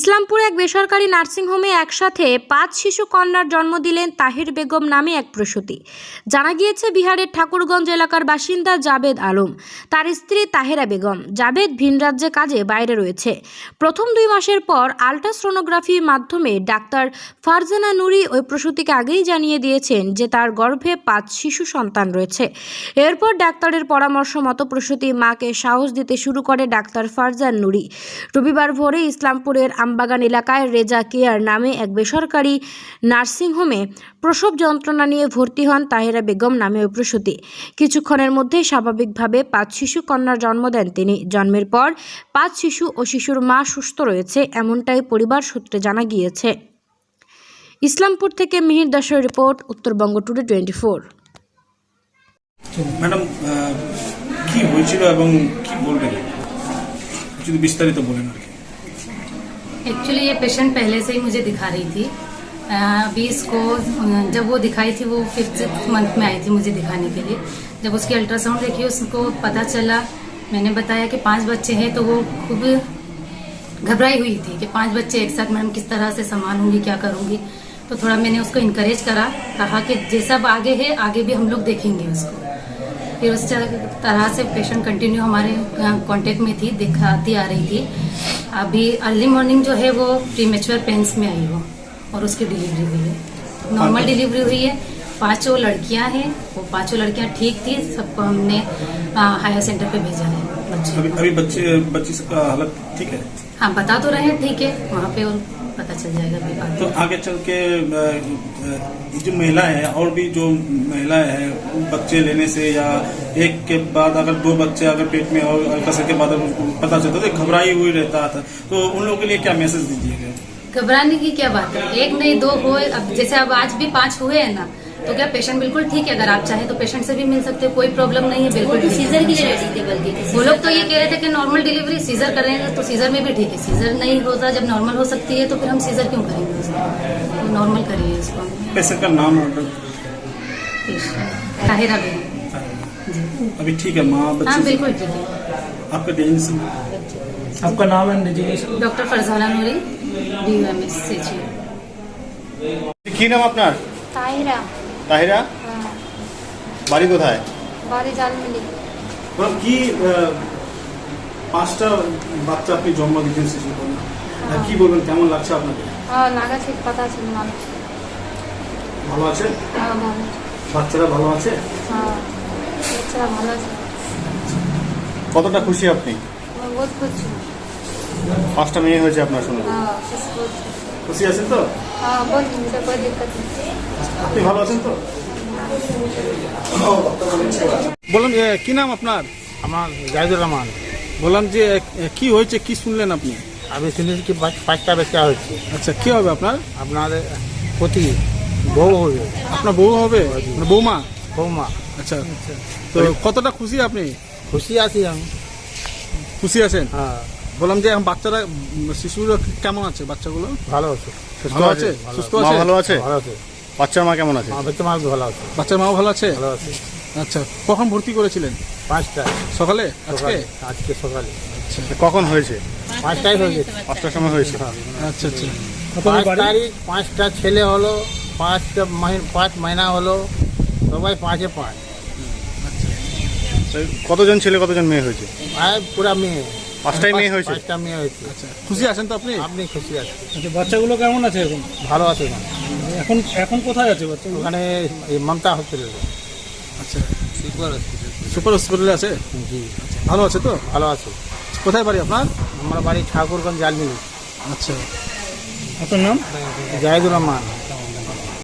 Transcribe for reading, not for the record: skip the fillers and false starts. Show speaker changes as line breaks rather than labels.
ইসলামপুরে এক বেসরকারি নার্সিংহোমে একসাথে ৫ শিশু কন্যার জন্ম দিলেন তাহির বেগম নামে এক প্রসূতি। জানা গিয়েছে বিহারের ঠাকুরগঞ্জ এলাকার বাসিন্দা জাবেদ আলম, তার স্ত্রী তাহেরা বেগম। জাবেদ ভিন রাজ্যে কাজে বাইরে রয়েছে। প্রথম ২ মাসের পর আল্ট্রাসোনোগ্রাফির মাধ্যমে ডাক্তার ফারজানা নুরি ওই প্রসূতিকে আগেই জানিয়ে দিয়েছেন যে তার গর্ভে ৫ শিশু সন্তান রয়েছে। এরপর ডাক্তারের পরামর্শ মতো প্রসূতি মাকে সাহস দিতে শুরু করে ডাক্তার ফারজান নুরি। রবিবার ভোরে ইসলামপুরের আমবাগান এলাকায় রেজা কেয়ার নামে এক বেসরকারি নার্সিংহোমে প্রসব যন্ত্রণা নিয়ে ভর্তি হন তাহেরা বেগম নামে ওই প্রসূতি। কিছুক্ষণের মধ্যেই স্বাভাবিকভাবে ৫ শিশু কন্যার জন্ম দেন তিনি। জন্মের পর ৫ শিশু ও শিশুর মা সুস্থ রয়েছে, এমনটাই পরিবার সূত্রে জানা গিয়েছে। ইসলামপুর থেকে মিহির দাসের রিপোর্ট, উত্তরবঙ্গ টুডে 24।
ম্যাডাম, কি হয়েছিল এবং কি বলবেন, যদি বিস্তারিত বলেন আর কি।
एक्चुअली ये पेशेंट पहले से ही मुझे दिखा रही थी। अभी इसको जब वो दिखाई थी वो 5th मंथ में आई थी मुझे दिखाने के लिए। जब उसकी अल्ट्रासाउंड देखी उसको पता चला, मैंने बताया कि 5 बच्चे हैं, तो वो खूब घबराई हुई थी कि 5 बच्चे एक साथ मैडम किस तरह से संभालूंगी, क्या करूंगी। तो थोड़ा मैंने उसको इनकरेज करा, कहा कि जैसा आगे है आगे भी हम लोग देखेंगे उसको। फिर उस तरह से पेशेंट कंटिन्यू हमारे कांटेक्ट में थी, दिखाती आ रही थी। अभी अर्ली मॉर्निंग जो है वो प्रीमेच्योर पेन्स में आई वो, और उसकी डिलीवरी हुई है। नॉर्मल डिलीवरी हुई है। 5 लड़कियां हैं, वो 5 लड़कियां ठीक थी। सबको हमने हायर सेंटर पे भेजा है।
अभी बच्ची का हालत ठीक है?
हाँ, बता तो रहे हैं ठीक है, वहाँ पे और पता चल जाएगा अभी बात।
तो आगे चल के जो महिलाएं हैं और भी जो महिलाएं हैं बच्चे लेने से या एक के बाद अगर 2 बच्चे अगर पेट में और अल्ट्रासाउंड के बाद पता चलता तो घबराई हुई रहता था, तो उन लोगों के लिए क्या मैसेज दीजिएगा?
घबराने की क्या बात है, 1 नहीं 2 हो, अब जैसे अब आज भी 5 हुए हैं ना, तो क्या पेशेंट बिल्कुल ठीक है। अगर आप चाहें तो पेशेंट से भी मिल सकते हो, कोई प्रॉब्लम नहीं है। बिल्कुल सीजर के लिए रेडी थे, बल्कि वो लोग तो ये कह रहे थे कि नॉर्मल डिलीवरी सीजर करेंगे, तो सीजर में भी ठीक है। सीजर नहीं होता, जब नॉर्मल हो सकती है तो फिर हम सीजर क्यों करेंगे उसको, तो नॉर्मल करिए इसको।
पेशेंट का नाम
ताहिरा बेगम।
अभी ठीक है माँ बच्चे?
हाँ बिल्कुल ठीक है।
आपका डेजिग्नेशन? आपका नाम है designation?
Doctor Farzana Noori, DUMS से।
কি নাম আপনার?
তাহিরা।
তাহিরা, বাড়ি কোথায়?
বাড়ি জালমিলি।
কি 5টা বাচ্চা আপনি জন্ম দিয়েছেন শিশু কন্যা, কি বলবেন, কেমন লাগছে আপনাকে?
লাগা ঠিক কথা ছিল, মানুষ
ভালো আছে?
ভালো।
বাচ্চারা ভালো আছে?
বাচ্চারা ভালো আছে।
কতটা খুশি আপনি?
বহুত খুশি।
5টা মেয়ে হয়েছে আপনার শুনে? খুশি আছেন তো?
बहुत मुझे कोई दिक्कत नहीं।
আপনি ভালো আছেন তো? বললাম কি নাম আপনার?
আমার জাহিদুর রহমান।
বললাম যে কি হয়েছে, কি শুনলেন আপনি?
আমি শুনেছি কি 5টা বাচ্চা হচ্ছে।
আচ্ছা, কি হবে আপনার?
আপনার পতি বউ হবে।
আপনার বউ হবে, মানে বৌমা?
বৌমা।
আচ্ছা, তো কতটা খুশি আপনি?
খুশি আছি আমি।
খুশি আছেন?
হ্যাঁ।
বললাম যে এখন বাচ্চারা, শিশুরা কেমন আছে? বাচ্চাগুলো
ভালো আছে,
ভালো আছে, সুস্থ আছে? ভালো আছে?
ভালো আছে।
বাচ্চার মা কেমন আছে?
বাচ্চা মা ভালো আছে।
বাচ্চার মাও ভালো আছে?
ভালো আছে।
আচ্ছা, কখন ভর্তি করেছিলেন?
5টা
সকালে? আজকে?
আজকে সকালে।
আচ্ছা, কখন হয়েছে?
5টায় হয়ে গেছে।
5টার সময় হয়েছে? আচ্ছা আচ্ছা।
5 তারিখ 5টা ছেলে হলো, 5 মহিনা হলো, সবাই 5-এ 5।
কতজন ছেলে কতজন মেয়ে হয়েছে?
পুরা মেয়ে।
5টাই মেয়ে হয়েছে?
5টা মেয়ে হয়েছে।
আচ্ছা, খুশি আছেন তো আপনি?
আপনি খুশি আছেন?
আচ্ছা, বাচ্চাগুলো কেমন আছে এখন?
ভালো আছে।
এখন এখন কোথায় আছে বাচ্চাগুলো?
ওখানে মমতা হসপিটালে।
আচ্ছা, সুপার হসপিটালে আছে?
জি।
ভালো আছে তো?
ভালো আছে।
কোথায় বাড়ি আপনার?
আমার বাড়ি ঠাকুরগঞ্জ জালমিলি।
আচ্ছা, আপনার নাম?
জাহিদুর রহমান।